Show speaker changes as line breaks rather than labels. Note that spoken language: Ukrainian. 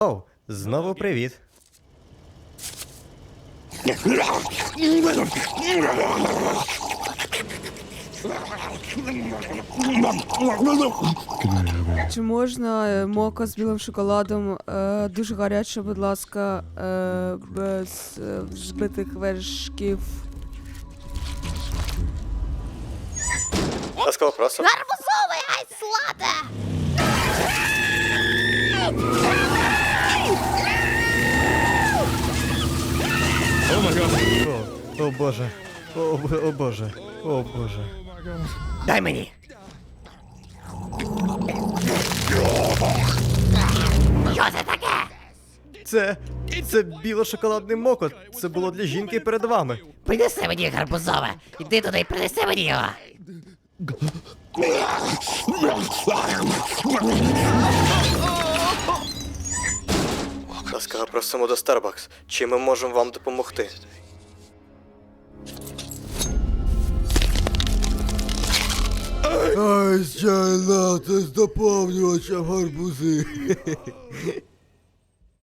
Оу, знову привіт.
Чи можна мока з білим шоколадом, дуже гаряче, будь ласка, без збитих вершків?
Ласкаво просимо.
Гарбузовий айслате!
О боже. О боже. О боже.
Дай мені! Що це таке?
Це біло-шоколадний мокот. Це було для жінки перед вами.
Принеси мені гарбузове! Іди туди і принеси мені його!
Ласкаво просимо до Starbucks. Чим ми можемо вам допомогти?
Ай, чай лати з доповнювачем гарбузи.